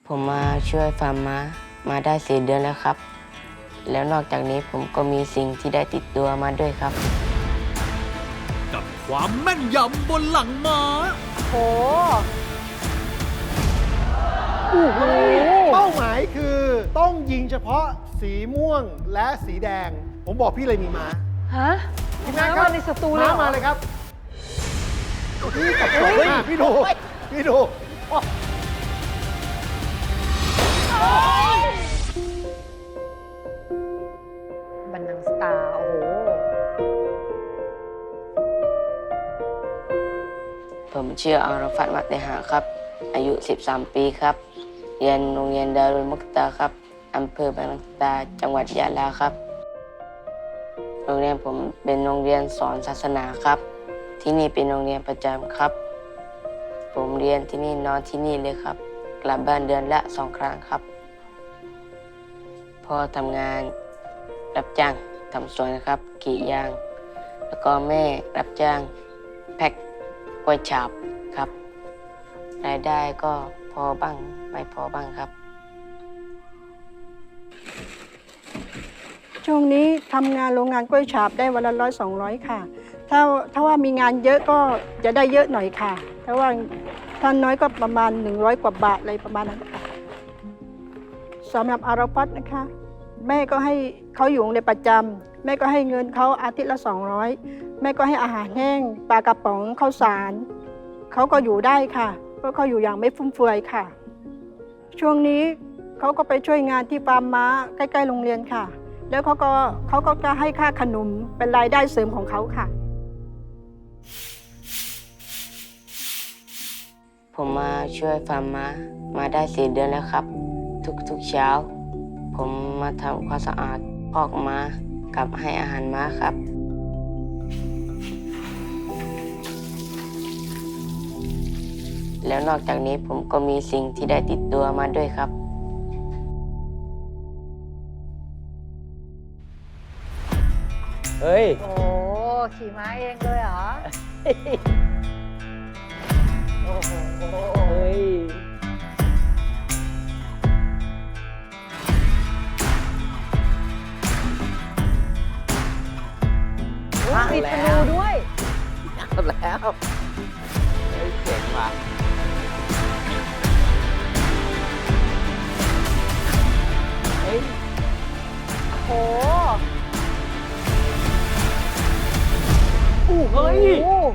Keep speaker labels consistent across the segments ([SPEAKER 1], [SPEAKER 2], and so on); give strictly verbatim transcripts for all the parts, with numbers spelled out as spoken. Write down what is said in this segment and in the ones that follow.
[SPEAKER 1] ผมมาช่วยฟาร์มม้ามาได้สี่เดือนแล้วครับแล้วนอกจากนี้ผมก็มีสิ่งที่ได้ติดตัวมาด้วยครับ
[SPEAKER 2] กับความแม่นยำบนหลังม้า
[SPEAKER 3] โอ้โห
[SPEAKER 4] เป้าหมายคือต้องยิงเฉพาะสีม่วงและสีแดงผมบอกพี่เลยมีม้า
[SPEAKER 3] ฮะ
[SPEAKER 4] ทีมงานครับ
[SPEAKER 3] ในสตูเลย
[SPEAKER 4] ม้ามาเลยครับพี่กับผมพี่ดูพี่ดู
[SPEAKER 3] บันนังสตาร์โอ้โห
[SPEAKER 1] ผมชื่ออัลฟัตมัตเตหะครับอายุสิบสามปีครับเรียนโรงเรียนดารุลมุกตาครับอำเภอบางนังสตาจังหวัดยะลาครับโรงเรียนผมเป็นโรงเรียนสอนศาสนาครับที่นี่เป็นโรงเรียนประจำครับผมเรียนที่นี่นอนที่นี่เลยครับกลับบ้านเดือนละสองครั้งครับพ่อทำงานรับจ้างทำสวนนะครับกรีดยางแล้วก็แม่รับจ้างแพ็คกล้วยฉาบครับรายได้ก็พอบ้างไม่พอบ้างครับ
[SPEAKER 5] ช่วงนี้ทำงานโรงงานกล้วยฉาบได้วันละร้อยสองร้อยค่ะถ้าถ้าว่ามีงานเยอะก็จะได้เยอะหน่อยค่ะถ้าว่าถ้าน้อยก็ประมาณหนึ่งร้อยกว่าบาทอะไรประมาณนั้นค่ะสำหรับอาราฟัตนะคะแม่ก็ให้เขาอยู่ในประจำแม่ก็ให้เงินเขาอาทิตย์ละสองร้อยแม่ก็ให้อาหารแห้งปลากระป๋องข้าวสารเขาก็อยู่ได้ค่ะเพราะเขาอยู่อย่างไม่ฟุ่มเฟือยค่ะช่วงนี้เขาก็ไปช่วยงานที่ฟาร์มม้าใกล้ๆโรงเรียนค่ะแล้วเขาก็เขาก็จะให้ค่าขนมเป็นรายได้เสริมของเขาค่ะ
[SPEAKER 1] ผมมาช่วยฟาร์มม้ามาได้สี่เดือนแล้วครับทุกๆเช้าผมมาทำความสะอาดคอกม้ากับให้อาหารม้าครับแล้วนอกจากนี้ผมก็มีสิ่งที่ได้ติดตัวมาด้วยครับ
[SPEAKER 6] เฮ้ย
[SPEAKER 3] โอ้ขี่ม้าเองเลยเหรอโอ้โห
[SPEAKER 6] เฮ้ย
[SPEAKER 3] มีธนูด้วย
[SPEAKER 6] เอาแล้วเฮ้ยเจ๋งว่ะเฮ้ย
[SPEAKER 3] โอ้
[SPEAKER 6] เฮ้ย
[SPEAKER 3] โอ้โห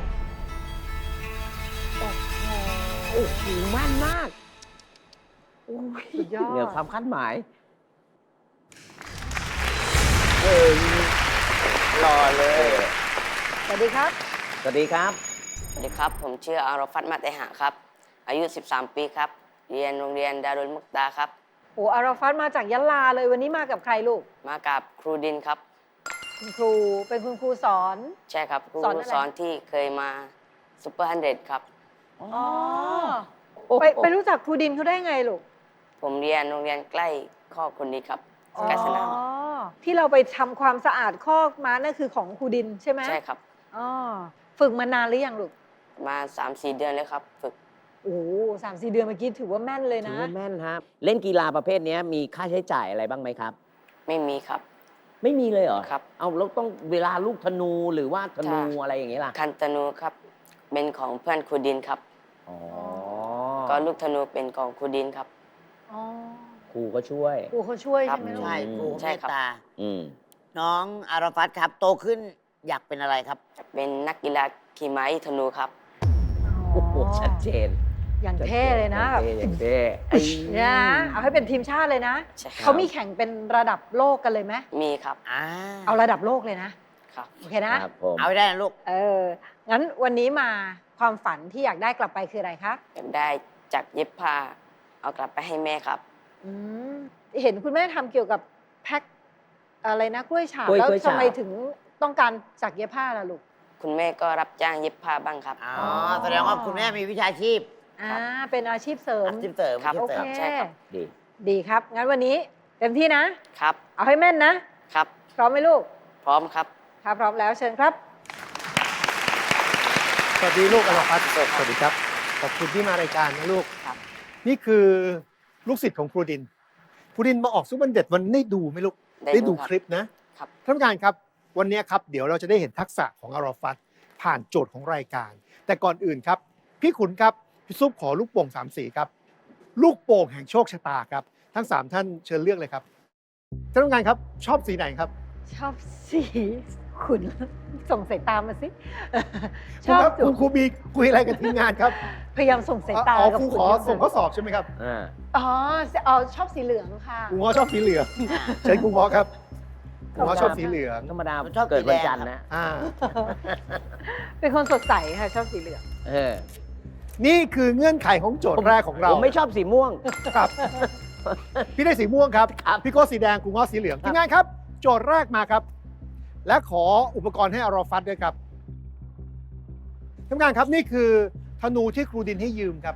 [SPEAKER 6] โอ้โหแม่นมากโอ้ย
[SPEAKER 3] สุดยอด
[SPEAKER 6] เหนือความคาดหมายเออรอเลย
[SPEAKER 3] สวัสดีครับ
[SPEAKER 6] สวัสดีครับ
[SPEAKER 1] สวัสดีครับผมชื่ออัลฟัตมัตเตหะครับอายุสิบสามปีครับเรียนโรงเรียนดารุลมุกตาครับ
[SPEAKER 3] โอ้อาราฟัตมาจากยะลาเลยวันนี้มากับใครลูก
[SPEAKER 1] มากับครูดินครับ
[SPEAKER 3] คุณครูเป็นคุณครูสอน
[SPEAKER 1] ใช่ครับครูสอนที่เคยมาซุปเปอร์ฮันเดรดครับ
[SPEAKER 3] อ๋อไปไปรู้จักครูดินเขาได้ไงลูก
[SPEAKER 1] ผมเรียนโรงเรียนใกล้คอกคนนี้ครับใกล้สนาม
[SPEAKER 3] อ๋อที่เราไปทำความสะอาดคอกม้านั่นคือของครูดินใช่ไหม
[SPEAKER 1] ใช่ครับ
[SPEAKER 3] อ๋อฝึกมานานหรือยังลูก
[SPEAKER 1] มาสามสี่เดือนเลยครับฝึก
[SPEAKER 3] โอ้สามสี่เดือนเมื่อกี้ถือว่าแม่นเลยนะ
[SPEAKER 6] ถือว่าแม่นครับเล่นกีฬาประเภทนี้มีค่าใช้จ่ายอะไรบ้างไหมครับ
[SPEAKER 1] ไม่มีครับ
[SPEAKER 6] ไม่มีเลยเหรอ
[SPEAKER 1] ครับ
[SPEAKER 6] เอาแล้วต้องเวลาลูกธนูหรือว่าธนูอะไรอย่างเงี้ยล่ะ
[SPEAKER 1] คันธนูครับเป็นของเพื่อนครูดินครับ
[SPEAKER 6] อ๋อ
[SPEAKER 1] ก็ลูกธนูเป็นของครูดินครับ
[SPEAKER 3] อ๋อ
[SPEAKER 6] ครูก็ช่วย
[SPEAKER 3] ครูเขาช่วยใช่ไหมลูก
[SPEAKER 7] ใช่ครูเมตตา
[SPEAKER 6] น้
[SPEAKER 7] องอาราฟัตครับโตขึ้นอยากเป็นอะไรครับ
[SPEAKER 1] เป็นนักกีฬาขี่ม้าธนูครับ
[SPEAKER 6] โอ้โหชัดเจน
[SPEAKER 3] อย่างเท่เลยนะแบบ
[SPEAKER 6] อย่างเท่
[SPEAKER 3] เนี่ยเอาให้เป็นทีมชาติเลยนะเขามีแข่งเป็นระดับโลกกันเลยไหม
[SPEAKER 1] มีครับ
[SPEAKER 3] เอาระดับโลกเลยนะครับโอเคนะ
[SPEAKER 7] เอาได้นะลูก
[SPEAKER 3] เอองั้นวันนี้มาความฝันที่อยากได้กลับไปคืออะไรครับ
[SPEAKER 1] อยากได้จากเย็บผ้าเอากลับไปให้แม่ครับ
[SPEAKER 3] อืมเห็นคุณแม่ทำเกี่ยวกับแพ็คอะไรนะกล้วยฉาบแล้วทำไมถึงต้องการจากเย็บผ้าล่ะลูก
[SPEAKER 1] คุณแม่ก็รับจ้างเย็บผ้าบ้างครับ
[SPEAKER 7] อ๋อแสดงว่าคุณแม่มีวิชาชีพ
[SPEAKER 3] อ่าเป็นอาชีพเสริม
[SPEAKER 7] อาชีพเสริม
[SPEAKER 1] ครับ
[SPEAKER 3] โอเค
[SPEAKER 1] ใช่ครับ
[SPEAKER 6] ดี
[SPEAKER 3] ดีครับงั้นวันนี้เต็มที่นะครับเอาให้แม่นนะครับพร้อมไหมลูก
[SPEAKER 1] พร้อมครับ
[SPEAKER 3] ถ้าพร้อมแล้วเชิญครับ
[SPEAKER 4] สวัสดีลูกอาราฟัตสวัสดีครับขอบคุณที่มารายการนะลูกนี่คือลูกศิษย์ของครูดิน ครูดินมาออกซุปเปอร์เด็ดวันได้ดูไหมลูก
[SPEAKER 1] ได้ดู
[SPEAKER 4] ดู
[SPEAKER 1] ครับ
[SPEAKER 4] คลิปนะครับ ท่านผู้การครับ วันนี้ครับเดี๋ยวเราจะได้เห็นทักษะของอารอฟัตผ่านโจทย์ของรายการ แต่ก่อนอื่นครับ พี่ขุนครับพี่ซุปขอลูกโป่งสามสีครับ ลูกโป่งแห่งโชคชะตาครับ ทั้งสามท่านเชิญเลือกเลยครับท่านผู้การครับชอบสีไหนครับ
[SPEAKER 3] ชอบสีขุนส่งสายตามาสิ
[SPEAKER 4] ครูครับครูครูมีคุยอะไรกับทีมงานครับ
[SPEAKER 3] พยายามส่งสายตา
[SPEAKER 4] อ๋อ
[SPEAKER 3] กับ
[SPEAKER 4] ครู
[SPEAKER 3] ขุน
[SPEAKER 4] ขอ
[SPEAKER 3] อยู่
[SPEAKER 4] ส่งข้อสอบใช่ไหมครับ
[SPEAKER 6] อ่า
[SPEAKER 3] อ๋ออ๋อชอบสีเหลืองค่ะ
[SPEAKER 4] ครูง้อชอบสีเหลืองเชิญครูง้อครับครูง้อชอบสีเหลือง
[SPEAKER 6] ธรรมดา
[SPEAKER 7] ผมชอบ
[SPEAKER 6] เกิด
[SPEAKER 7] สี
[SPEAKER 6] วัน
[SPEAKER 7] แดง
[SPEAKER 6] จันทร์
[SPEAKER 7] ครับ
[SPEAKER 6] นะ
[SPEAKER 4] อ่า
[SPEAKER 3] เป็นคนสดใสค่ะชอบสีเหลือง
[SPEAKER 6] เออ
[SPEAKER 4] นี่คือเงื่อนไขของโจทย์แรกของเรา
[SPEAKER 6] ผมไม่ชอบสีม่วง
[SPEAKER 4] ครับ พี่ได้สีม่วงครับ
[SPEAKER 6] ครับ
[SPEAKER 4] พี่โก้สีแดงครูง้อสีเหลืองทีมงานครับ โจทย์แรกมาครับ และขออุปกรณ์ให้อารอฟัตด้วยครับทีมงานครับนี่คือธนูที่ครูดินให้ยืมครับ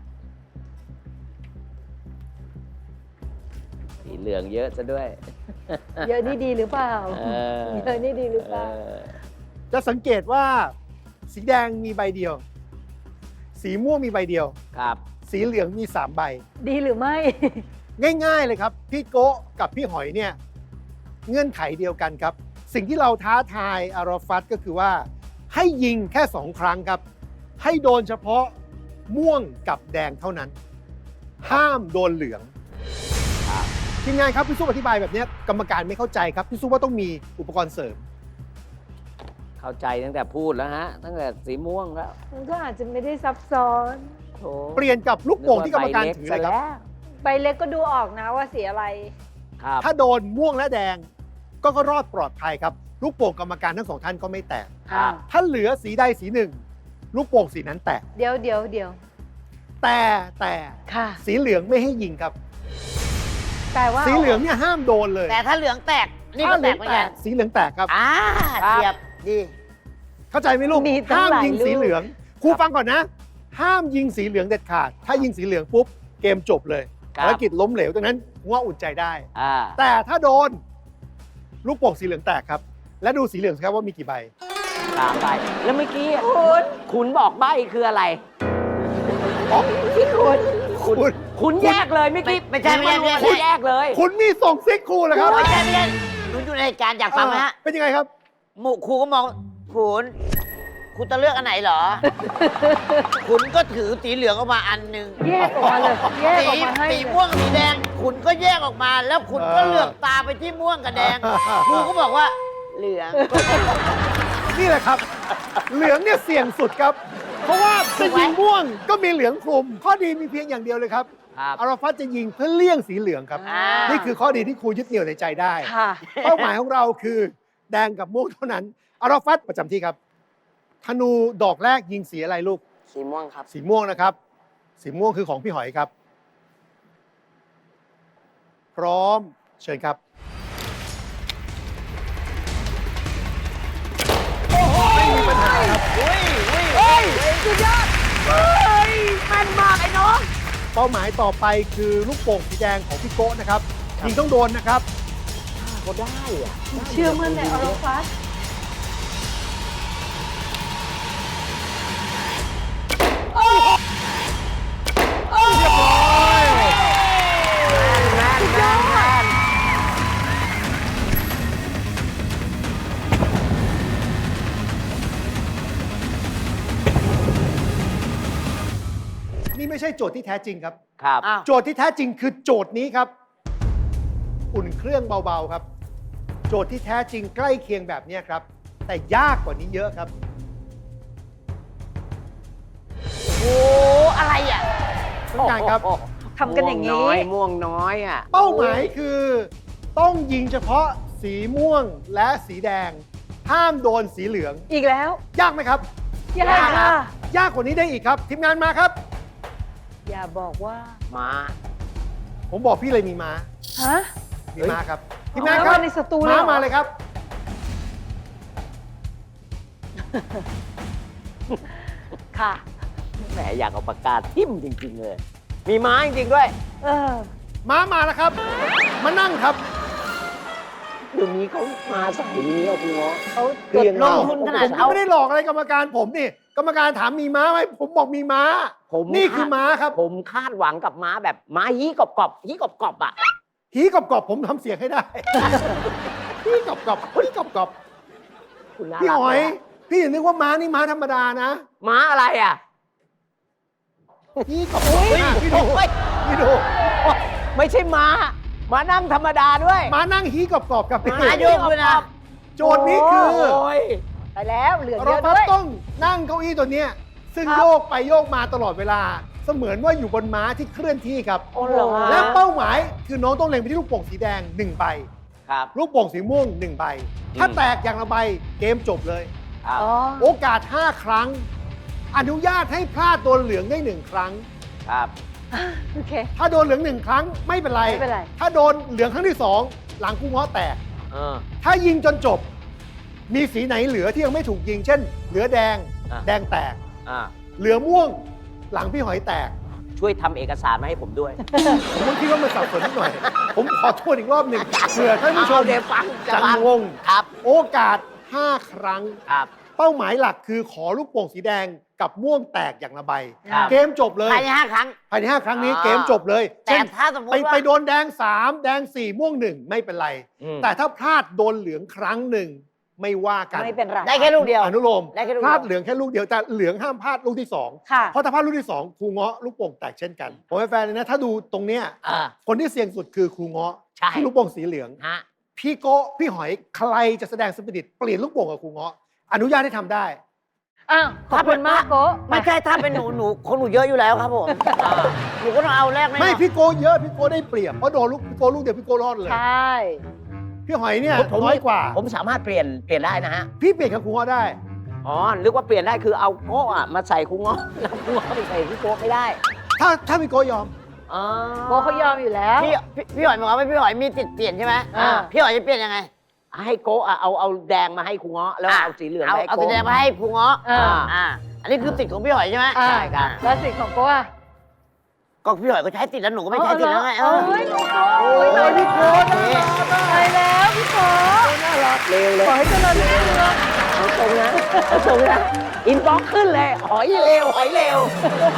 [SPEAKER 6] สีเหลืองเยอะซะด้วย
[SPEAKER 3] เยอะนี่ดีหรือเปล่า
[SPEAKER 6] เออ
[SPEAKER 3] เยอะนี่ดีหรือเป
[SPEAKER 6] เอ
[SPEAKER 3] ล่า
[SPEAKER 6] อ
[SPEAKER 4] จะสังเกตว่า สีแดงมีใบเดียว สีม่วงมีใบเดียว
[SPEAKER 6] ครับ
[SPEAKER 4] สีเหลืองมีสามใบ
[SPEAKER 3] ดีหรือไม่
[SPEAKER 4] ง่ายๆเลยครับ พี่โกะกับพี่หอยเนี่ยเงื่อนไขเดียวกันครับ สิ่งที่เราท้าทายอารอฟัตก็คือว่า ให้ยิงแค่สองครั้งครับ ให้โดนเฉพาะม่วงกับแดงเท่านั้น ห้ามโดนเหลืองทีมงานครับพี่ซุปอธิบายแบบนี้กรรมการไม่เข้าใจครับพี่ซุปว่าต้องมีอุปกรณ์เสริม
[SPEAKER 6] เข้าใจตั้งแต่พูดแล้วฮะ ตั้งแต่สีม่วงแล้ว
[SPEAKER 3] มันก็อาจจะไม่ได้ซับซ้อน
[SPEAKER 6] โถ
[SPEAKER 4] เปลี่ยนกับลูกโป่งที่กรรมการถือเลยครับ
[SPEAKER 3] ใบเล็กก็ดูออกนะว่าสีอะไร
[SPEAKER 6] ครับ
[SPEAKER 4] ถ้าโดนม่วงและแดงก็ก็รอดปลอดภัยครับ ลูกโป่งกรรมการทั้งสองท่านก็ไม่แตก
[SPEAKER 6] ครับ
[SPEAKER 4] ถ้าเหลือสีใดสีหนึ่ง ลูกโป่งสีนั้นแตก
[SPEAKER 3] เดี๋ยวเดี๋ยวเดี๋ยว
[SPEAKER 4] แต่แต่
[SPEAKER 3] ค่ะ
[SPEAKER 4] สีเหลืองไม่ให้ยิงครับ
[SPEAKER 3] แต่ว่า
[SPEAKER 4] สีเหลืองเนี่ยห้ามโดนเลย
[SPEAKER 7] แต่ถ้าเหลืองแตก นี่
[SPEAKER 4] ถ้า
[SPEAKER 7] ก็
[SPEAKER 4] เห
[SPEAKER 7] แต
[SPEAKER 4] ลื
[SPEAKER 7] ก
[SPEAKER 4] อง
[SPEAKER 7] เหมือน
[SPEAKER 4] แต
[SPEAKER 7] กั
[SPEAKER 4] ก
[SPEAKER 7] น
[SPEAKER 4] สีเหลืองแตกครับ
[SPEAKER 7] อ่า
[SPEAKER 6] ครับ
[SPEAKER 7] เทียบดี
[SPEAKER 4] เข้าใจไหมลูก
[SPEAKER 3] มีตั้ง
[SPEAKER 4] ห้าม
[SPEAKER 3] หลาย
[SPEAKER 4] ยิงสี
[SPEAKER 3] ลูก
[SPEAKER 4] เหลืองครูฟังก่อนนะ ห้ามยิงสีเหลืองเด็ดขาด ถ้ายิงสีเหลืองปุ๊บเกมจบเลย
[SPEAKER 6] ครับ
[SPEAKER 4] ภารกิจล้มเหลวดังนั้นว่าอุ่นใจได้
[SPEAKER 6] อ่า
[SPEAKER 4] แต่ถ้าโดน ลูกโป่งสีเหลืองแตกครับ และดูสีเหลืองสิครับว่ามีกี่ใบ
[SPEAKER 6] สามใบแล้วเมื่อกี้คุณคุณบอกใบคืออะไร
[SPEAKER 4] อ๋อ
[SPEAKER 3] พี่คุณ
[SPEAKER 4] คุณ
[SPEAKER 6] คุณแยกเลยเมื่อกี้
[SPEAKER 7] ไม่ใช่ไม่ใช่ไม่ใช่
[SPEAKER 6] คุณแยกเลย
[SPEAKER 4] คุณมีส่งซิกครูเหรอครับ
[SPEAKER 7] ไม่ใช่ไม่ใช่หนูอยู่ในเหตุการณ์อยากฟังไหมฮะ
[SPEAKER 4] เป็นยังไงครับ
[SPEAKER 7] หมู่ครูก็มองขุนคุณจะเลือกอันไหนเหรอ ขุนก็ถือสีเหลืองออกมาอันหนึ่ง
[SPEAKER 3] แยกออกมาเลย แยก
[SPEAKER 7] สี
[SPEAKER 3] ออกมาให้
[SPEAKER 7] สี
[SPEAKER 3] เลย
[SPEAKER 7] ม่วงกับสีแดง ขุนก็แยกออกมา แล้วขุนก็
[SPEAKER 4] เออ
[SPEAKER 7] เหลือกตาไปที่ม่วงกับแดง ครูก็บอกว่า เหลือง
[SPEAKER 4] นี่แหละครับ เหลืองเนี่ยเสี่ยงสุดครับ เพราะว่าจะยิงม่วงก็มีเหลืองคลุม ข้อดีมีเพียงอย่างเดียวเลยครับ
[SPEAKER 6] ครับ
[SPEAKER 4] อารอฟัตจะยิงเพื่อเลี่ยงสีเหลืองครับ
[SPEAKER 7] อ่านี่
[SPEAKER 4] นี่คือข้อดีที่ครูยึดเหนี่ยวในใจได้
[SPEAKER 3] ค่ะ
[SPEAKER 4] เป้าหมายของเราคือแดงกับม่วงเท่านั้น อารอฟัตประจำที่ครับ ธนูดอกแรกยิงสีอะไรลูก
[SPEAKER 1] สีม่วงครับ
[SPEAKER 4] สีม่วงนะครับ สีม่วงคือของพี่หอยครับ พร้อมเชิญครับ ไม่มีปัญหาครับ
[SPEAKER 6] เฮ้ยสุดยอดเฮ้ยแม่นมากไอ้น้อง
[SPEAKER 4] เป้าหมายต่อไปคือลูกโป่งสีแดงของพี่โก้นะครับยิงต้องโดนนะครับ
[SPEAKER 6] ก็ได้อะ
[SPEAKER 3] เชื่อมั่นในออโรฟัส
[SPEAKER 4] เรียบร้อย
[SPEAKER 6] แม่นแม่นแม่น
[SPEAKER 4] นี่ไม่ใช่โจทย์ที่แท้จริงครับ
[SPEAKER 6] ครับ
[SPEAKER 7] อ้าว
[SPEAKER 4] โจทย์ที่แท้จริงคือโจทย์นี้ครับ อุ่นเครื่องเบาๆครับ โจทย์ที่แท้จริงใกล้เคียงแบบนี้ครับ แต่ยากกว่านี้เยอะครับ
[SPEAKER 7] โอ้อะไรอ่ะ
[SPEAKER 4] ต้องการครับ
[SPEAKER 6] โอ้โห
[SPEAKER 3] ทำกันอย่างนี้
[SPEAKER 6] ม่วน้อยม่วงน้อยอ่ะ
[SPEAKER 4] เป้าหมายคือต้องยิงเฉพาะสีม่วงและสีแดง ห้ามโดนสีเหลือง
[SPEAKER 3] อีกแล้ว
[SPEAKER 4] ยากไหมครับ
[SPEAKER 3] ยากค่ะ
[SPEAKER 4] ยากกว่านี้ได้อีกครับ ทีมงานมาครับ
[SPEAKER 3] อย่าบอกว่า
[SPEAKER 6] มา
[SPEAKER 4] ผมบอกพี่เลยมีม้า
[SPEAKER 3] ฮะ
[SPEAKER 4] มีม้าครับ ทีมงานครับ
[SPEAKER 3] ม้ามาในสตูเลย
[SPEAKER 4] ม้า
[SPEAKER 3] เหรอ
[SPEAKER 4] มาเลยครับ
[SPEAKER 3] ค่ะ
[SPEAKER 6] แหมอยากเอาปากกาทิ่มจริง ๆ เลย มีม้าจริง ๆ ด้วย
[SPEAKER 3] เออ
[SPEAKER 4] ม้ามาแล้วครับ มานั่งครับ
[SPEAKER 6] เดี๋ยวนี้เขามาสายนี้เอาคุณเงาะ
[SPEAKER 3] เขา
[SPEAKER 6] คือยังไง
[SPEAKER 7] ลงทุนขนาด
[SPEAKER 4] ผมก็ไม่ได้หลอกอะไรกรรมการผมนี่กรรมการถามมีม้าไหมผมบอกมีม้า
[SPEAKER 6] ผม
[SPEAKER 4] นี่คือม้าครับ
[SPEAKER 6] ผมคาดหวังกับม้าแบบม้าฮี้กรอบๆฮี้กรอบๆอ่ะ
[SPEAKER 4] หีกรอบๆผมทำเสียงให้ได้ หีกรอบๆหีกรอบ
[SPEAKER 6] คุณน่า
[SPEAKER 4] ๆพี่
[SPEAKER 6] รัก
[SPEAKER 4] หอย
[SPEAKER 6] นะ
[SPEAKER 4] พี่อย่านึกว่าม้านี่ม้าธรรมดานะ
[SPEAKER 6] ม้าอะไรอ่ะ
[SPEAKER 4] หีกรอบๆอ่ะพี่ดู
[SPEAKER 6] โอ้ย
[SPEAKER 4] พี่ดู
[SPEAKER 6] ไม่ใช่ม้า ม้านั่งธรรมดาด้วย
[SPEAKER 4] ม้านั่งหีกรอบๆกับพี่
[SPEAKER 7] ม้าโยกด้วยนะ
[SPEAKER 4] โจทย์นี้คือ
[SPEAKER 6] โอ้ย
[SPEAKER 3] ไปแล้วเหลือเย
[SPEAKER 4] เรา
[SPEAKER 3] อะด้วย
[SPEAKER 4] ต้องนั่งเก้าอี้ตัวเนี้ยซึ่ง
[SPEAKER 3] ครับ
[SPEAKER 4] โยกไปโยกมาตลอดเวลา เสมือนว่าอยู่บนม้าที่เคลื่อนที่ครับ
[SPEAKER 6] โอ้เหรอ
[SPEAKER 4] และเป้าหมายคือน้องต้องเล็งไปที่ลูกโป่งสีแดงหนึ่งใบ
[SPEAKER 6] ครับ
[SPEAKER 4] ลูกโป่งสีม่วงหนึ่งใบ ถ้า
[SPEAKER 6] อืม
[SPEAKER 4] แตกอย่างละใบเกมจบเลย
[SPEAKER 6] ครับ
[SPEAKER 3] อ๋อ
[SPEAKER 4] โอกาส ห้า ครั้ง อนุญาตให้พลาดโดนเหลืองได้หนึ่งครั้ง
[SPEAKER 6] ครับ
[SPEAKER 3] โอเค
[SPEAKER 4] ถ้าโดนเหลืองหนึ่งครั้งไม่เป็นไร
[SPEAKER 3] ไม่เป็นไร
[SPEAKER 4] ถ้าโดนเหลืองครั้งที่สองหลังคู่ง้อแตก
[SPEAKER 6] เออ
[SPEAKER 4] ถ้ายิงจนจบ มีสีไหนเหลือที่ยังไม่ถูกยิง เช่น เหลือแดง
[SPEAKER 6] อ่ะ
[SPEAKER 4] แดงแตก
[SPEAKER 6] อ่า
[SPEAKER 4] เหลือม่วง หลังพี่หอยแตก
[SPEAKER 6] ช่วยทำเอกสารมาให้ผมด้วย
[SPEAKER 4] ผมก็คิดว่ามันสับสนนิดหน่อย ผมขอโทษอีกรอบหนึ่งเผื่อท่านผู้ชม
[SPEAKER 6] เอาเดี๋ยวฟังจะ
[SPEAKER 4] จะ
[SPEAKER 6] ฟัง
[SPEAKER 4] งง
[SPEAKER 6] ครับ
[SPEAKER 4] โอกาส ห้า ครั้ง
[SPEAKER 6] ครับ
[SPEAKER 4] เป้าหมายหลักคือขอลูกโป่งสีแดงกับม่วงแตกอย่างละใบ
[SPEAKER 6] ครับ
[SPEAKER 4] เกมจบเลย
[SPEAKER 7] ภายในห้าครั้ง
[SPEAKER 4] ภายในห้าครั้งนี้
[SPEAKER 7] อ่า
[SPEAKER 4] เกมจบเลย
[SPEAKER 7] แต่
[SPEAKER 4] เช่น
[SPEAKER 7] ถ้าสมม
[SPEAKER 4] ไป
[SPEAKER 7] ติว่า
[SPEAKER 4] ไปโดนแดงสามแดงสี่ม่วงหนึ่งไม่เป็นไร
[SPEAKER 6] อืม
[SPEAKER 4] แต่ถ้าพลาดโดนเหลืองครั้งหนึ่งไม่ว่ากัน
[SPEAKER 3] ไม่เป็นไร
[SPEAKER 7] ได้แค่ลูกเดียว
[SPEAKER 4] อนุโลม
[SPEAKER 7] ได้แค่ลูก
[SPEAKER 4] พ
[SPEAKER 7] เดียว
[SPEAKER 4] ลาดเหลืองแค่ลูกเดียวแต่เหลืองห้ามพลาดลูกที่สอง
[SPEAKER 3] ค่ะ
[SPEAKER 4] เพราะถ้าพลาดลูกที่สองครูเงาะลูกโป่งแตกเช่นกันผมเป็นแฟนเลยนะถ้าดูตรงเนี้ย
[SPEAKER 6] อ่า
[SPEAKER 4] คนที่เสี่ยงสุดคือครูเงาะ
[SPEAKER 6] ใช่
[SPEAKER 4] ที่ลูกโป่งสีเหลือง
[SPEAKER 6] ฮะ
[SPEAKER 4] พี่โก้พี่หอยใครจะแสดงสปิริตเปลี่ยนลูกโป่งกับครูเงาะอนุญาตให้ทำได้
[SPEAKER 3] อ้าว ขอบคุณมากโกะ
[SPEAKER 7] ไม่ใช่ถ้าเป็นหนูหนูคนหนูเยอะอยู่แล้วครับผมอ่าหนูก็ต้องเอาแรกแน่นอน
[SPEAKER 4] ไม่พี่โก้เยอะพี่โก้ได้เปรียบเพราะโดนลูกพี่โก้ลูกเดียวพี่โก้รอดเลย
[SPEAKER 3] ใช่
[SPEAKER 4] พี่หอยเนี่ย
[SPEAKER 6] ผม
[SPEAKER 4] น้อยกว่า
[SPEAKER 6] ผมสามารถเปลี่ยนเปลี่ยนได้นะฮะ
[SPEAKER 4] พี่เปลี่ยนกับครูเงาะได้
[SPEAKER 6] อ๋อ นึกว่าเปลี่ยนได้คือเอาโก้อะมาใส่คุงเงาะแล้วคุงเงาะไปใส่พี่โก้ไม่ได้
[SPEAKER 4] ถ้าถ้าพี่โก้ยอม
[SPEAKER 6] อ๋อ
[SPEAKER 3] โกะเขายอมอยู่แล้ว
[SPEAKER 7] พี่พี่พี่หอยบอกว่าพี่หอยมีติดเปลี่ยนใช่ไหม
[SPEAKER 3] อ่า
[SPEAKER 7] พี่หอยจะเปลี่ยนยังไง
[SPEAKER 6] ให้โก้อะเอาเอาแดงมาให้คุงเงาะแล้วเอาสีเหลือง
[SPEAKER 7] เอา
[SPEAKER 6] ไปให้
[SPEAKER 7] เอา
[SPEAKER 6] โก้
[SPEAKER 7] สีแดงมาให้ภูเงาะ
[SPEAKER 3] อ่า
[SPEAKER 7] อ่า อันนี้คือติดของพี่หอยใช่ไหม
[SPEAKER 3] อ่า
[SPEAKER 7] ใช่ครับ
[SPEAKER 3] แล้วสิทธิ์ของโกะอะ
[SPEAKER 7] ก็พี่หอยก็ใช้ติดแล้วหนูก็ไม่ใช้ติดแล้วไง
[SPEAKER 3] เอ
[SPEAKER 7] เอ
[SPEAKER 3] อ
[SPEAKER 7] อ
[SPEAKER 3] เฮ้ยโกะ
[SPEAKER 4] โอ้ยพี่โก้น่ารัก
[SPEAKER 3] ไปแล้วพี่โกะ
[SPEAKER 4] น่ารัก
[SPEAKER 6] เร็วเลย
[SPEAKER 3] ขอให้เจริญรุ่งเรือง
[SPEAKER 6] เอาตรงนะเอาตรงนะอินบ็อกซ์ขึ้นเลย หอยเร็ว หอยเร็ว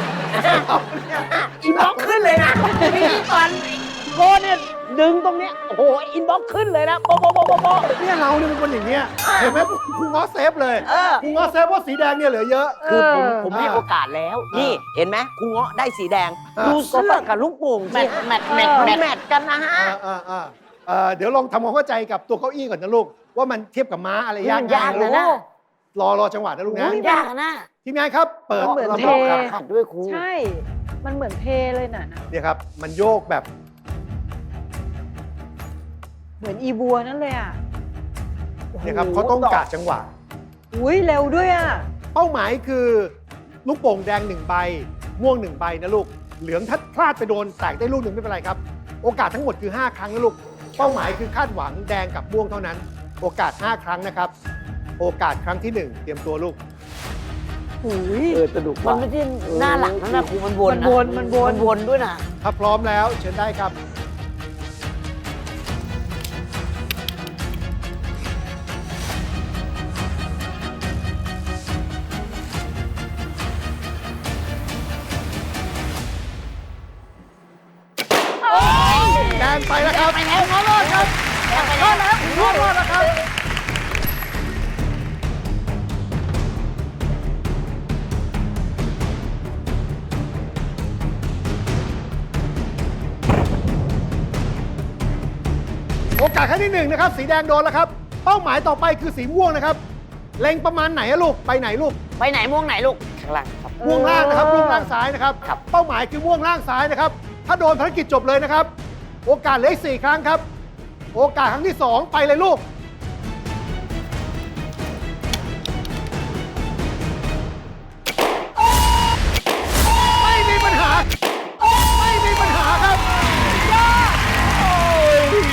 [SPEAKER 6] อินบ็อกซ์ขึ้นเลยนะพี่ก่อนโก้เนี่ยดึงตรงเนี้ย โอ้โห อินบ็อกซ์ขึ้นเลยนะโป๊ะโป๊ะโป๊ะโป๊ะโป๊ะ
[SPEAKER 4] เนี่ยเราเนี่ยเป็นคนอย่างเงี้ยเห็นไหมครูเงาะเซฟเลย
[SPEAKER 6] เออ
[SPEAKER 4] ครูเงาะเซฟว่าสีแดงเนี่ยเหลือเยอะ
[SPEAKER 6] คือผม
[SPEAKER 3] เออ
[SPEAKER 6] ผมให้โอกาสแล้ว นี่เห็นไหมคุงเงาะได้สีแดง
[SPEAKER 4] อ่า
[SPEAKER 6] ดูเสื้อกับลูกโป่ง
[SPEAKER 7] แม
[SPEAKER 6] สิ
[SPEAKER 7] ทแมทแมท
[SPEAKER 6] มัน
[SPEAKER 7] แมท
[SPEAKER 6] แมทกันนะฮะ
[SPEAKER 4] อ่าอ่าอ่าเอ่อเดี๋ยวลองทำความเข้าใจกับตัวเก้าอี้ก่อนนะลูก ว่ามันเทียบกับม้าอะไรยาก
[SPEAKER 7] มันยาก
[SPEAKER 4] ง่
[SPEAKER 7] นะ
[SPEAKER 4] ลู
[SPEAKER 7] นะ
[SPEAKER 4] รอรอจังหวะนะลูกนะ
[SPEAKER 7] มันยากอะนะ
[SPEAKER 4] ทีมงานครับ เปิด
[SPEAKER 3] มันเหมือน
[SPEAKER 4] ลำ
[SPEAKER 3] เท
[SPEAKER 4] ดับครับ
[SPEAKER 7] ขัดด้วยครู
[SPEAKER 3] ใช่ มันเหมือนเทเลยน่ะนะ
[SPEAKER 4] เนี่ยครับ มันโยกแบบ
[SPEAKER 3] เหมือนอีบัวนั่นเลยอ่ะ
[SPEAKER 4] เนี่ยครับเขาต้องกะจังหวะ
[SPEAKER 3] อุ้ยเร็วด้วยอ่ะ
[SPEAKER 4] เป้าหมายคือลูกโป่งแดงหนึ่งใบ ม่วงหนึ่งใบนะลูก เหลืองถ้าพลาดไปโดนแตกได้ลูกหนึ่งไม่เป็นไรครับ โอกาสทั้งหมดคือ ห้า ครั้งนะลูก เป้าหมายคือคาดหวังแดงกับม่วงเท่านั้น โอกาส ห้า ครั้งนะครับ โอกาสครั้งที่หนึ่งเตรียมตัวลูก
[SPEAKER 3] อุ้ย
[SPEAKER 6] เออสนุก
[SPEAKER 7] มัน
[SPEAKER 6] ว่ะ
[SPEAKER 7] ไม่ใช่หน้าหลังนะนะครูมันวน
[SPEAKER 3] มันวนมันวน
[SPEAKER 7] มันวนด้วยนะ
[SPEAKER 4] ถ้าพร้อมแล้วเชิญได้ครับ แดงไปแล้วครับ
[SPEAKER 7] ไปแล้วงอรอดครับไปแล้ว
[SPEAKER 4] รอดรอดแล้วครับ โอกาสครั้งที่หนึ่งนะครับ สีแดงโดนแล้วครับ เป้าหมายต่อไปคือสีม่วงนะครับ เล็งประมาณไหนอะลูก ไปไหนลูก
[SPEAKER 7] ไปไหนม่วงไหนลูก
[SPEAKER 1] ข้างหลังครับ
[SPEAKER 4] ม่วงล่างนะครับ ม่วงล่างซ้ายนะครับ
[SPEAKER 1] ครับ
[SPEAKER 4] เป้าหมายคือม่วงล่างซ้ายนะครับ ถ้าโดนภารกิจจบเลยนะครับ โอกาสเหลืออีกสี่ครั้งครับ โอกาสครั้งที่สองไปเลยลูก ไม่มีปัญหา ไม่มีปัญหาครับโอ้ย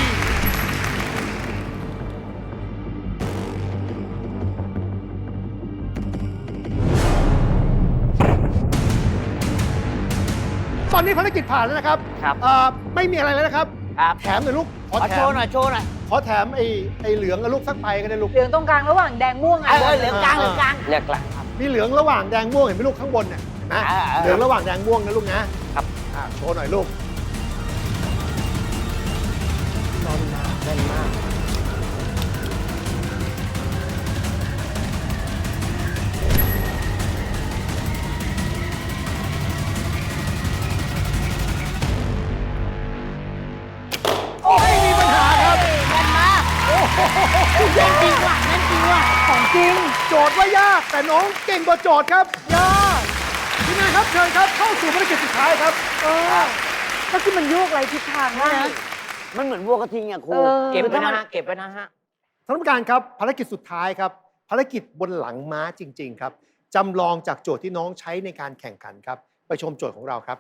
[SPEAKER 4] ตอนนี้ภารกิจผ่านแล้วนะครับ
[SPEAKER 6] ครับ
[SPEAKER 4] เอ่อไม่มีอะไรแล้วนะครับ
[SPEAKER 6] ครับ
[SPEAKER 4] แถมหน่อยลูก ขอ
[SPEAKER 7] ขอ
[SPEAKER 4] แถ
[SPEAKER 7] โช
[SPEAKER 4] ม
[SPEAKER 7] ว์หน่อยโชว์หน่อย
[SPEAKER 4] ขอแถมไอ้ไอ้เหลืองกับลูกสักใบก็ได้ลูก
[SPEAKER 3] เหลืองตรงกลางระหว่างแดงม่วง
[SPEAKER 7] เอ
[SPEAKER 3] อ่ะ
[SPEAKER 7] อเหลืองกลางเหลืองกลาง
[SPEAKER 1] เลือกหลังครับ
[SPEAKER 4] มีเหลืองระหว่างแดงม่วงเห็นไหมลูกข้างบนเนี่ยเห็นไหม
[SPEAKER 7] อ่าๆ
[SPEAKER 4] เหลืองระหว่างแดงม่วงนะลูกนะครับ อ่าโชว์หน่อยลูก
[SPEAKER 6] แน่นมากแน่นมาก
[SPEAKER 4] ไม่มีปัญหาครับ
[SPEAKER 7] แน่นจริงว่ะแน่นจริงว่ะ
[SPEAKER 3] ของจริง
[SPEAKER 4] โจทย์ว่ายากแต่น้องเก่งกว่าโจทย์ครับยากทีมงานครับเชิญครับเข้าสู่ภารกิจสุดท้ายครับ
[SPEAKER 3] เออก็คือมันโยกไรทิศทางมากนะ
[SPEAKER 7] มันเหมือนวัวกระทิงอ่ะครู
[SPEAKER 3] เออ
[SPEAKER 6] เก็บ
[SPEAKER 7] คือ
[SPEAKER 6] ไว้
[SPEAKER 7] ถ้า
[SPEAKER 6] นะ
[SPEAKER 7] มัน
[SPEAKER 6] ฮะ เก็บไว้นะฮะ
[SPEAKER 4] ท่านผู้การครับภารกิจสุดท้ายครับ ภารกิจบนหลังม้าจริง ๆ ครับจำลองจากโจทย์ที่น้องใช้ในการแข่งขันครับ ไปชมโจทย์ของเราครับ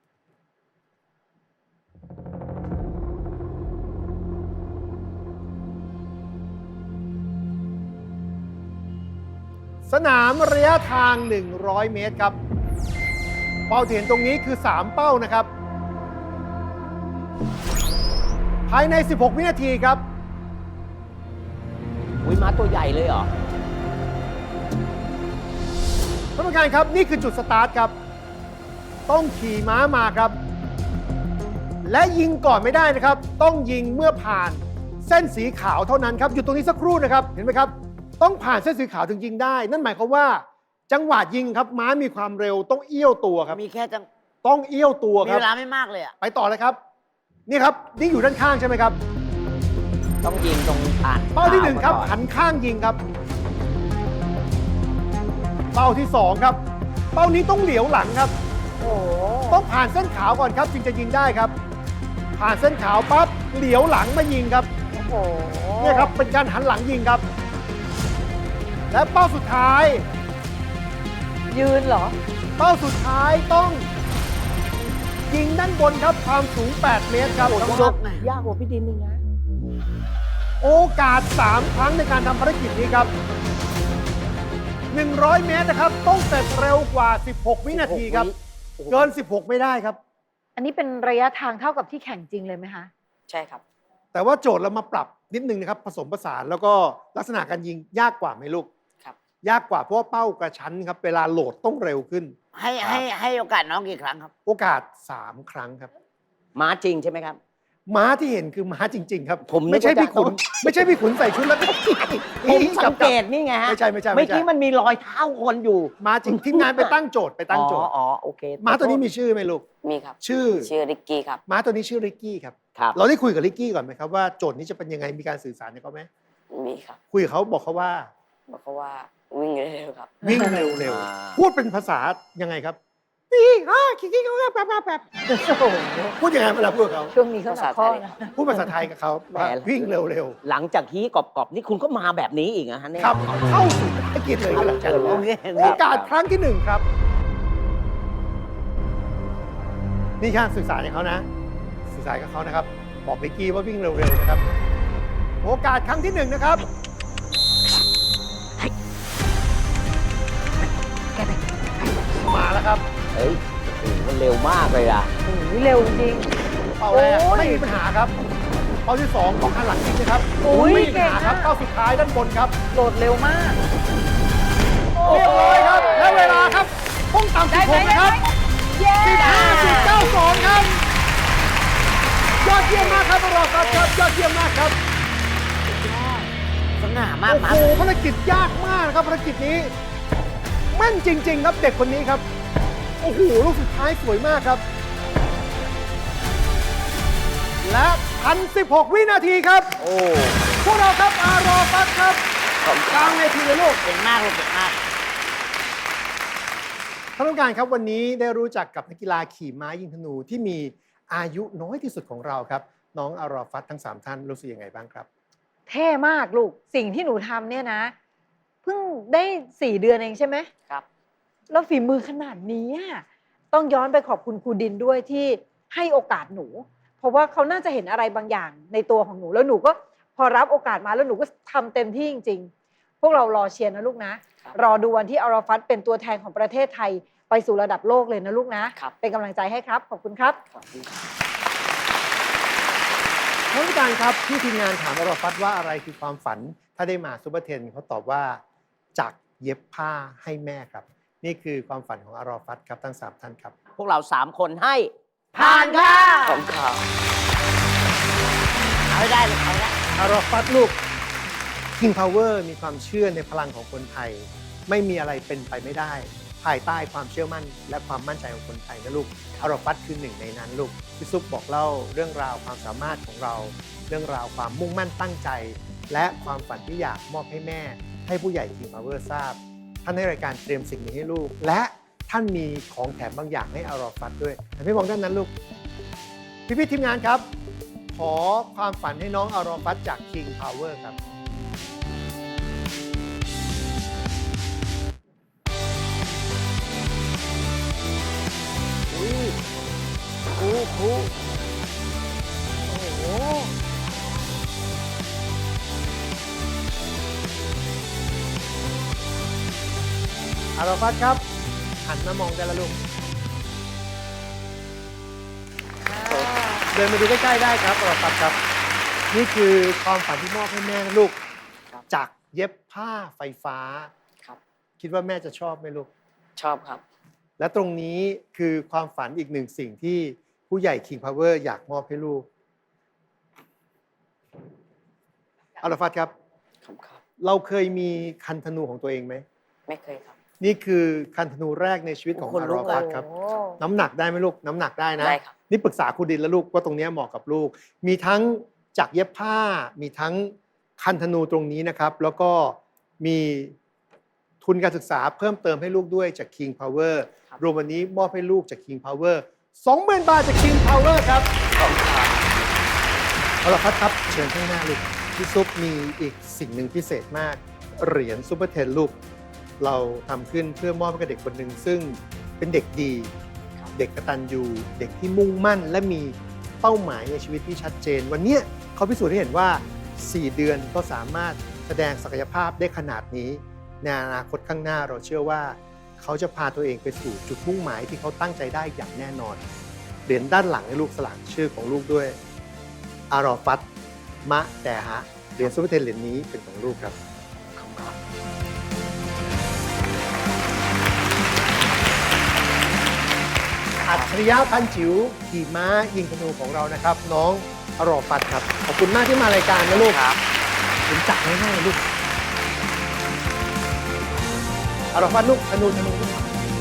[SPEAKER 4] สนามระยะทาง หนึ่งร้อย เมตรครับ เป้าที่เห็นตรงนี้คือ สาม เป้านะครับ ภายใน สิบหก วินาทีครับ
[SPEAKER 6] อุ้ยม้าตัวใหญ่เลยเหรอ
[SPEAKER 4] ท่านผู้การครับนี่คือจุดสตาร์ทครับ ต้องขี่ม้ามาครับ และยิงก่อนไม่ได้นะครับ ต้องยิงเมื่อผ่านเส้นสีขาวเท่านั้นครับอยู่ตรงนี้สักครู่นะครับเห็นไหมครับ ต้องผ่านเส้นสีขาวถึงยิงได้ นั่นหมายความว่า จังหวะยิงครับม้ามีความเร็วต้องเอี้ยวตัวครับ
[SPEAKER 7] มีแค่จัง
[SPEAKER 4] ต้องเอี้ยวตัว
[SPEAKER 7] มี
[SPEAKER 4] ครับ
[SPEAKER 7] เวลาไม่มากเลยอ่ะ
[SPEAKER 4] ไปต่อเลยครับ นี่ครับนี่อยู่ด้านข้างใช่ไหมครับ
[SPEAKER 6] ต้องยิงตรงผ่าน
[SPEAKER 4] เป้าที่หนึ่งครับ
[SPEAKER 6] ก่อ
[SPEAKER 4] หันข้างยิงครับ เป้าที่สองครับ เป้านี้ต้องเหลียวหลังครับ
[SPEAKER 3] โอ้โห
[SPEAKER 4] ต้องผ่านเส้นขาวก่อนครับจึงจะยิงได้ครับ ผ่านเส้นขาวปั๊บเหลียวหลังมายิงครับ
[SPEAKER 3] โอ้โห
[SPEAKER 4] เนี่ยครับเป็นการหันหลังยิงครับ และเป้าสุดท้าย
[SPEAKER 3] ยืนเหรอ
[SPEAKER 4] เป้าสุดท้ายต้องยิงด้านบนครับความสูง แปด เมตรครับ
[SPEAKER 7] โอ้โห
[SPEAKER 4] ท่านผู้ชม
[SPEAKER 6] ยากกว่าพี่ดินนี่นะ
[SPEAKER 4] โอกาส สาม ครั้งในการทำภารกิจนี้ครับ หนึ่งร้อย เมตรนะครับ ต้องเสร็จเร็วกว่า สิบหก วินาทีครับ เกิน สิบหก ไม่ได้ครับ
[SPEAKER 3] อันนี้เป็นระยะทางเท่ากับที่แข่งจริงเลยไหมคะ
[SPEAKER 1] ใช่ครับ
[SPEAKER 4] แต่ว่าโจทย์เรามาปรับนิดนึงนะครับ ผสมผสานแล้วก็ลักษณะการยิงยากกว่าไหมลูก
[SPEAKER 1] ครับ
[SPEAKER 4] ยากกว่าเพราะว่าเป้ากระชั้นครับ เวลาโหลดต้องเร็วขึ้น
[SPEAKER 7] ให้ให้ให้โอกาสน้องกี่ครั้งครับ
[SPEAKER 4] โอกาส สาม ครั้งครับ
[SPEAKER 6] ม้าจริงใช่ไหมครับ
[SPEAKER 4] ม้าที่เห็นคือม้าจริง ๆ ครับ
[SPEAKER 6] ผมนึกว่า
[SPEAKER 4] ไม่ใช่พี่ขุน
[SPEAKER 6] จะ
[SPEAKER 4] ไม่ใช่พี่ขุนใส่ชุดแล้วก็
[SPEAKER 6] ผมสังเกตนี่ไงฮะ
[SPEAKER 4] ไม่ใช่ไม่ใช่
[SPEAKER 6] เมื่
[SPEAKER 4] ไม่
[SPEAKER 6] อ
[SPEAKER 4] ใช่
[SPEAKER 6] กี้มันมีรอยเท้าคนอยู่
[SPEAKER 4] ม้าจริงทีมงานไปตั้งโจทย์ไปตั้งโจทย์
[SPEAKER 6] อ๋ออ๋อโอเค
[SPEAKER 4] ม้าตัวนี้มีชื่อไหมลูก
[SPEAKER 1] มีครับ
[SPEAKER 4] ชื่อ
[SPEAKER 1] ชื่อริกกี้ครับ
[SPEAKER 4] ม้าตัวนี้ชื่อริกกี้ครับ
[SPEAKER 6] ครับ
[SPEAKER 4] เราได้คุยกับริกกี้ก่อนไหมครับว่าโจทย์นี้จะเป็นยังไงมีการสื่อสารกับเขาไหม
[SPEAKER 1] มีครับ
[SPEAKER 4] คุยกับเขาบอกเขาว่า
[SPEAKER 1] บอกเขาว่าวิ่งเร็วๆครับ
[SPEAKER 4] วิ่งเร็ว
[SPEAKER 6] อ่า
[SPEAKER 4] ๆพูดเป็นภาษายังไงครับวิ่งอ่ะคิกกี้เขาแบบแบบแบบ
[SPEAKER 3] โอ้โห
[SPEAKER 4] พูดยังไงเวลาพูดกับเขา
[SPEAKER 3] ช่วงนี้เขาหนักข้อนะ
[SPEAKER 4] พูดภาษาไทยกับเขาว่าวิ่งเร็ว
[SPEAKER 6] หลังจากฮีกรอบๆนี่คุณก็มาแบบนี้อีกนะฮะเนี่ย
[SPEAKER 4] ๆครับเข้าสู่ภารกิจเลยก็แล้วกัน
[SPEAKER 7] โอเค
[SPEAKER 4] โอกาสครั้งที่หนึ่งครับ นี่ช่างสื่อสารกับเขานะ สื่อสารกับเขานะครับ บอกริกกี้ว่าวิ่งเร็วๆนะครับ โอกาสครั้งที่หนึ่งนะครับ มาแล้วครับ
[SPEAKER 6] เฮ้ยโอ้โหมันเร็วมากเลยอ่ะ
[SPEAKER 3] โอ้โหเร็วจริง
[SPEAKER 4] เป้าแรก
[SPEAKER 3] โอ้ย
[SPEAKER 4] ไม่มีปัญหาครับ เป้าที่สองของคันหลังจริงนะครับ
[SPEAKER 3] โอ้ย
[SPEAKER 4] ไม่มีปัญหาครับ
[SPEAKER 3] เก่งอะ
[SPEAKER 4] เป้าสุดท้ายด้านบนครับ
[SPEAKER 3] โหลดเร็วมาก
[SPEAKER 4] เรียบร้อยครับ และเวลาครับต้องต่ำสิบหกนะครับ
[SPEAKER 3] เย้
[SPEAKER 4] สิบห้าสิบเก้าสองครับ ยอดเยี่ยมมากครับรอครับครับ ยอดเยี่ยมมากครับ
[SPEAKER 7] สง่ามาก
[SPEAKER 4] โอ้
[SPEAKER 7] มา
[SPEAKER 4] โหภารกิจยากมากนะครับภารกิจนี้แม่นจริง ๆ ครับเด็กคนนี้ครับ โอ้โหลูกสุดท้ายสวยมากครับ และพันสิบหกวินาทีครับ
[SPEAKER 6] โอ้
[SPEAKER 4] พวกเราครับอารอฟัสครับกลางเวทีเลยลูก
[SPEAKER 7] เก่งมากเลยเก่งมาก
[SPEAKER 4] ท่านผู้การครับวันนี้ได้รู้จักกับนักกีฬาขี่ม้ายิงธนูที่มีอายุน้อยที่สุดของเราครับ น้องอารอฟัสทั้งสามท่านรู้สึกยังไงบ้างครับ
[SPEAKER 3] เท่มากลูก สิ่งที่หนูทำเนี่ยนะ เพิ่งได้สี่เดือนเองใช่ไหม
[SPEAKER 1] ครับ
[SPEAKER 3] แล้วฝีมือขนาดนี้อะต้องย้อนไปขอบคุณครูดินด้วยที่ให้โอกาสหนู เพราะว่าเขาน่าจะเห็นอะไรบางอย่างในตัวของหนู แล้วหนูก็พอรับโอกาสมาแล้วหนูก็ทำเต็มที่จริง ๆ พวกเรารอเชียร์นะลูกนะ
[SPEAKER 1] ครับ
[SPEAKER 3] รอดูวันที่อาราฟัตเป็นตัวแทนของประเทศไทยไปสู่ระดับโลกเลยนะลูกนะ
[SPEAKER 1] ครับ
[SPEAKER 3] เป็นกำลังใจให้ครับ ขอบคุณครับ
[SPEAKER 1] ขอบคุณครับ
[SPEAKER 4] ท่านผู้การครับที่ทีมงานถามอารอฟัสว่าอะไรคือความฝัน ถ้าได้มาซูเปอร์เทนเขาตอบว่าจากเย็บผ้าให้แม่ครับ นี่คือความฝันของอารอฟัตครับทั้งสามท่านครับ
[SPEAKER 6] พวกเราสามคนให้ผ่านค่ะ
[SPEAKER 1] ขอบคุณครับ
[SPEAKER 7] เอาให้ได้เลยเอาละ
[SPEAKER 4] อารอฟัตลูก King Power มีความเชื่อในพลังของคนไทย ไม่มีอะไรเป็นไปไม่ได้ ภายใต้ความเชื่อมั่นและความมั่นใจของคนไทยนะลูกอารอฟัตคือหนึ่งในนั้นลูกพี่ซุปบอกเล่าเรื่องราวความสามารถของเรา เรื่องราวความมุ่งมั่นตั้งใจ และความฝันที่อยากมอบให้แม่ ให้ผู้ใหญ่ King Power ทราบ ท่านให้รายการเตรียมสิ่งนี้ให้ลูก และท่านมีของแถมบางอย่างให้อารอฟัตด้วยแต่พี่มองด้านนั้นลูกพี่ๆทีมงานครับ ขอความฝันให้น้องอารอฟัตจาก King Power ครับ
[SPEAKER 6] ครูครูโอ้โห
[SPEAKER 4] อารอฟัตครับ หันมามองได้แล้วลูก เดินมาดูใกล้ๆได้ครับอารอฟัตครับ นี่คือความฝันที่มอบให้แม่นะลูก
[SPEAKER 1] ครับ
[SPEAKER 4] จากเย็บผ้าไฟฟ้า
[SPEAKER 1] ครับ
[SPEAKER 4] คิดว่าแม่จะชอบไหมลูก
[SPEAKER 1] ชอบครับ
[SPEAKER 4] และตรงนี้คือความฝันอีกหนึ่งสิ่งที่ผู้ใหญ่ King Power อยากมอบให้ลูกอารอฟัตครับ
[SPEAKER 1] ขอบคุณครับ
[SPEAKER 4] เราเคยมีคันธนูของตัวเองไหม
[SPEAKER 1] ไม่เคยครับ
[SPEAKER 4] นี่คือคันธนูแรกในชีวิตของ
[SPEAKER 6] คน
[SPEAKER 4] อาร
[SPEAKER 6] ลุ
[SPEAKER 4] อก ฟัตครับ
[SPEAKER 3] โอ้
[SPEAKER 4] น้ำหนักได้ไหมลูก น้ำหนักได้นะ
[SPEAKER 1] ได้ครับ
[SPEAKER 4] นี่ปรึกษาครูดินแล้วลูกว่าตรงเนี้ยเหมาะกับลูก มีทั้งจากเย็บผ้า มีทั้งคันธนูตรงนี้นะครับ แล้วก็มีทุนการศึกษาเพิ่มเติมให้ลูกด้วยจาก King Power รวมวันนี้มอบให้ลูกจาก King Power สองหมื่น บาทจาก King Power ครับ
[SPEAKER 1] ขอบคุณครับ
[SPEAKER 4] เอาละครับครับ เชิญข้างหน้าลูกพี่ซุปมีอีกสิ่งหนึ่งพิเศษมาก เหรียญซูเปอร์เทนลูก เราทำขึ้นเพื่อมอบให้กับเด็กคนหนึ่งซึ่งเป็นเด็กดี เด็กกตัญญูเด็กที่มุ่งมั่น และมีเป้าหมายในชีวิตที่ชัดเจน วันนี้เขาพิสูจน์ให้เห็นว่า สี่ เดือนก็สามารถแสดงศักยภาพได้ขนาดนี้ ในอนาคตข้างหน้าเราเชื่อว่า เขาจะพาตัวเองไปสู่จุดมุ่งหมายที่เขาตั้งใจได้อย่างแน่นอน เหรียญด้านหลังให้ลูกสลักชื่อของลูกด้วย อารอฟัต มะแต่ฮะ เหรียญซูเปอร์เทนเหรียญนี้เป็นของลูกครับ
[SPEAKER 1] ขอบคุณครับ
[SPEAKER 4] อัจฉริยะพันจิ๋วขี่ม้ายิงธนูของเรานะครับ น้องอรอฟัตครับ ขอบคุณมากที่มารายการนะลูกครับผมจับง่ายๆลูกอรอฟัตลูกธนูธนูลูก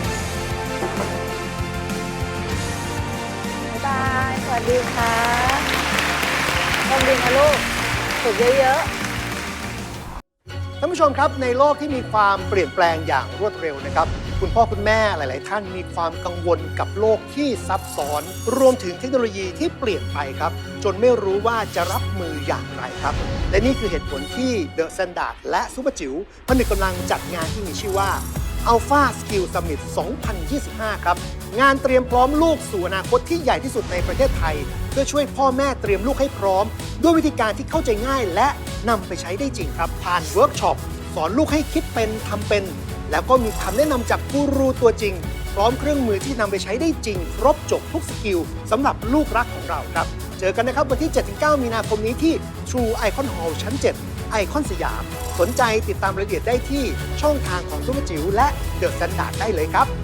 [SPEAKER 3] บ๊ายบาย สวัสดีค่ะต้องดีนะลูกฝึกเยอะๆ
[SPEAKER 4] ท่านผู้ชมครับในโลกที่มีความเปลี่ยนแปลงอย่างรวดเร็วนะครับคุณพ่อคุณแม่หลาย ๆ ท่านมีความกังวลกับโลกที่ซับซ้อน รวมถึงเทคโนโลยีที่เปลี่ยนไปครับจนไม่รู้ว่าจะรับมืออย่างไรครับและนี่คือเหตุผลที่ The Standard และซุปเปอร์จิ๋วผนึกกำลังจัดงานที่มีชื่อว่า Alpha Skill Summit สองพันยี่สิบห้า ครับงานเตรียมพร้อมลูกสู่อนาคตที่ใหญ่ที่สุดในประเทศไทย เพื่อช่วยพ่อแม่เตรียมลูกให้พร้อม ด้วยวิธีการที่เข้าใจง่ายและนำไปใช้ได้จริงครับผ่านเวิร์กช็อปสอนลูกให้คิดเป็นทำเป็น แล้วก็มีคำแนะนำจากกูรูตัวจริง พร้อมเครื่องมือที่นำไปใช้ได้จริง ครบจบทุกสกิลสำหรับลูกรักของเราครับ เจอกันนะครับวันที่ เจ็ดถึงเก้า มีนาคมนี้ที่ True Icon Hall ชั้น เจ็ด ไอคอนสยาม สนใจติดตามรายละเอียดได้ที่ช่องทางของซุปเปอร์จิ๋วและเดอะสแตนดาร์ดได้เลยครับ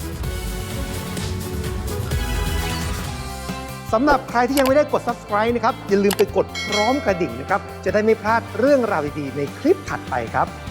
[SPEAKER 4] สำหรับใครที่ยังไม่ได้กด Subscribe นะครับอย่าลืมไปกดพร้อมกระดิ่งนะครับจะได้ไม่พลาดเรื่องราวดีๆในคลิปถัดไปครับ